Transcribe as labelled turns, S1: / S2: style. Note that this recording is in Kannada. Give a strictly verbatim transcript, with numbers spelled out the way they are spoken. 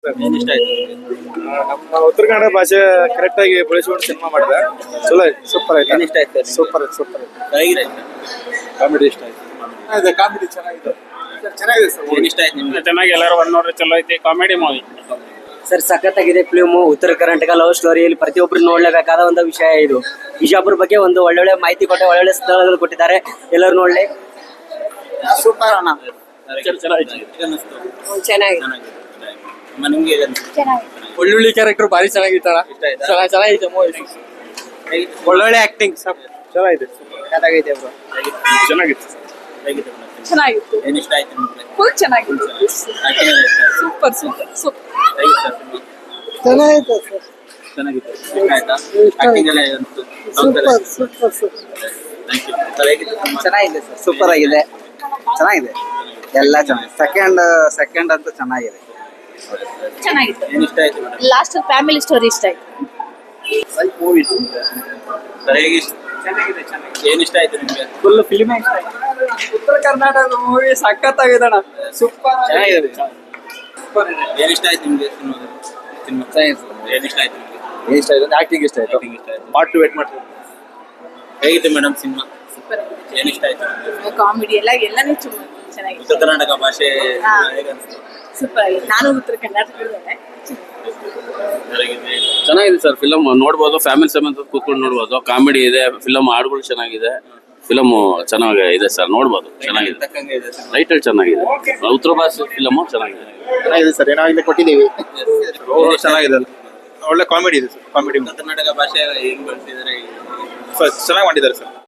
S1: ಏನ್ ಇಷ್ಟ ಆಯ್ತು?
S2: ನಮ್ಮ ಉತ್ತರ ಕನ್ನಡ ಭಾಷೆ ಕರೆಕ್ಟ್ ಆಗಿ ಬಳಸ್ಕೊಂಡು ಸಿನಿಮಾ ಮಾಡಿದೆ. ಚಲೋ ಆಯ್ತು, ಸೂಪರ್
S1: ಏನ್
S2: ಆಯ್ತು,
S1: ಇಷ್ಟ ಆಯ್ತು?
S2: ಸೂಪರ್ ಆಯ್ತು, ಸೂಪರ್ ಆಯ್ತು.
S1: ಚೆನ್ನಾಗಿದೆ.
S2: ಕಾಮಿಡಿ ಇಷ್ಟ ಆಯ್ತು. ಇದೆ ಕಾಮಿಡಿ ಚೆನ್ನಾಗಿದೆ, ಚೆನ್ನಾಗಿದೆ ಸರ್.
S1: ಏನ್ ಇಷ್ಟ ಆಯ್ತು ನಿಮ್ಗೆ?
S3: ಚೆನ್ನಾಗಿ ಎಲ್ಲರೂ ಒಂದ್ ನೋಡ್ರಿ ಚಲೋ ಐತಿ ಕಾಮಿಡಿ ಮೂವಿ.
S4: ಸರ್ ಸಖತ್ತಾಗಿದೆ ಫಿಲ್ಮು. ಉತ್ತರ ಕರ್ನಾಟಕ ಲವ್ ಸ್ಟೋರಿಯಲ್ಲಿ ಪ್ರತಿಯೊಬ್ಬರು ನೋಡ್ಲೇಬೇಕಾದ ಒಂದು ವಿಷಯ ಇದು. ಬಿಜಾಪುರ ಬಗ್ಗೆ ಒಂದು ಒಳ್ಳೊಳ್ಳೆ ಮಾಹಿತಿ ಕೊಟ್ಟೆ, ಒಳ್ಳೊಳ್ಳೆ ಸ್ಥಳಗಳು ಕೊಟ್ಟಿದ್ದಾರೆ, ಎಲ್ಲರೂ ನೋಡ್ಲಿ.
S2: ಸೂಪರ್ ಅಣ್ಣ.
S3: ಚೆನ್ನಾಗಿ
S1: ಹೇಗ್ ಅನ್ನಿಸ್ತು?
S4: ಚೆನ್ನಾಗಿದೆ.
S1: ಚೆನ್ನಾಗಿದೆ. ಅಮ್ಮ, ನಿಮ್ಗೆ ಹೇಗ್ ಅನ್ನಿಸ್ತು?
S2: ಒಳ್ಳೊಳ್ಳೆ ಕ್ಯಾರೆಕ್ಟರ್ ಭಾರಿ ಚೆನ್ನಾಗಿತ್ತಣ್ಣ.
S1: ಇಷ್ಟ ಆಯ್ತಾ?
S2: ಚೆನ್ನಾಗಿದೆ ಮೂವಿ.
S1: ಹೇಗಿತ್ತು?
S2: ಒಳ್ಳೊಳ್ಳೆ ಆಕ್ಟಿಂಗ್ ಚೆನ್ನಾಗಿದೆ. ಚೆನ್ನಾಗೈತೆ ಬ್ರೋ.
S3: ಚೆನ್ನಾಗಿತ್ತು.
S1: ಹೇಗಿತ್ತು ಮೇಡಮ್?
S5: ಚೆನ್ನಾಗಿತ್ತು.
S1: ಏನ್ ಇಷ್ಟ ಆಯ್ತು ನಿಮ್ಗೆ?
S5: ಫುಲ್ ಚೆನ್ನಾಗಿತ್ತು.
S1: Acting ಎಲ್ಲ ಇಷ್ಟ ಆಯ್ತಾ?
S5: Super super super.
S1: ಹೇಗಿತ್ತು cinema?
S2: ಚೆನ್ನಾಗಿದೆ ಸರ್.
S1: ಚೆನ್ನಾಗಿತ್ತು. ಇಷ್ಟ ಆಯ್ತಾ? Acting ಎಲ್ಲ ಹೇಗನ್ನಿಸ್ತು?
S2: Super super super.
S1: Thank you. Sir, ಹೇಗಿತ್ತು cinema?
S6: ಚೆನ್ನಾಗಿದೆ ಸರ್, ಸೂಪರ್ ಆಗಿದೆ, ಚೆನ್ನಾಗಿದೆ, ಎಲ್ಲ ಚೆನ್ನಾಗಿದೆ. ಸೆಕೆಂಡ್ ಸೆಕೆಂಡ್ ಅಂತೂ ಚೆನ್ನಾಗಿದೆ.
S5: ಚೆನ್ನಾಗಿತ್ತು.
S1: ಏನ್ ಇಷ್ಟ ಆಯ್ತು ಮೇಡಮ್?
S5: ಲಾಸ್ಟ್ ಫ್ಯಾಮಿಲಿ ಸ್ಟೋರಿ ಇಷ್ಟ ಆಯ್ತು.
S1: ಮೂವಿ ಸರ್, ಹೇಗೆ ಇಷ್ಟ? ಏನ್ ಇಷ್ಟ ಆಯ್ತು ನಿಮ್ಗೆ?
S2: ಫುಲ್ ಫಿಲ್ಮ್ ಇಷ್ಟ ಆಯ್ತು. ಉತ್ತರ ಕರ್ನಾಟಕದ ಮೂವಿ ಸಖತ್ತಾಗಿದೆ ಅಣ್ಣ, ಸೂಪರ್
S1: ಚೆನ್ನಾಗಿದೆ. ಏನ್ ಇಷ್ಟ ಆಯ್ತು ನಿಮ್ಗೆ ಸಿನಿಮಾದಲ್ಲಿ? ಸಿನಿಮಾ ಏನ್ ಇಷ್ಟ ಆಯ್ತು ನಿಮ್ಗೆ?
S2: ಏನ್ ಇಷ್ಟ ಆಯ್ತು? ಆಕ್ಟಿಂಗ್ ಇಷ್ಟ ಆಯ್ತು.
S1: Acting ಇಷ್ಟ ಆಯ್ತು.
S2: ಪಾರ್ಟ್ ಟು ವೇಟ್ ಮಾಡ್ತೀವಿ.
S1: ಹೇಗಿತ್ತು ಮೇಡಮ್ ಸಿನಿಮಾ?
S5: ಸೂಪರ್ ಆಗಿದೆ.
S1: ಏನ್ ಇಷ್ಟ ಆಯ್ತು ನಿಮ್ಗೆ?
S5: ಕಾಮಿಡಿ ಎಲ್ಲ ಎಲ್ಲಾನು ಚೆನ್ನಾಗಿದೆ.
S1: ಉತ್ತರ ಕರ್ನಾಟಕ ಭಾಷೆ
S5: ಹಾ.
S1: ಹೇಗೆ ಅನ್ಸ್ತು?
S5: ಸೂಪರ್ ಆಗಿದೆ. ನಾನು ಉತ್ತರ ಕರ್ನಾಟಕದಲ್ಲೇ.
S1: ಹೇಗಿದೆ?
S7: ಚೆನ್ನಾಗಿದೆ ಸರ್ ಫಿಲಮ್, ನೋಡ್ಬೋದು, ಫ್ಯಾಮಿಲಿ ಸಮೇತ ಕೂತ್ಕೊಂಡು ನೋಡ್ಬೋದು. ಕಾಮಿಡಿ ಇದೆ, ಫಿಲಮ್ ಹಾಡುಗಳು ಚೆನ್ನಾಗಿದೆ, ಫಿಲಮ್ ಚೆನ್ನಾಗಿ ಇದೆ ಸರ್, ನೋಡ್ಬೋದು, ಚೆನ್ನಾಗಿದೆ.
S1: ತಕ್ಕಂಗೆ ಇದೆ ಸಿನಿಮಾ.
S7: ಟೈಟಲ್ ಚೆನ್ನಾಗಿದೆ, ಉತ್ತರ ಭಾಷೆ ಫಿಲಮ್ ಚೆನ್ನಾಗಿದೆ.
S2: ಚೆನ್ನಾಗಿದೆ ಸರ್, ಏನಾಗಲಿ ಕೊಟ್ಟಿದ್ದೀವಿ. ಚೆನ್ನಾಗಿದೆ, ಒಳ್ಳೆ ಕಾಮಿಡಿ ಇದೆ ಸರ್, ಕಾಮಿಡಿ
S1: ಉತ್ತರ ಕರ್ನಾಟಕ ಭಾಷೆ ಹೆಂಗ್ ಬಳಸಿದ್ದಾರೆ?
S2: ಚೆನ್ನಾಗಿ ಮಾಡಿದ್ದಾರೆ ಸರ್.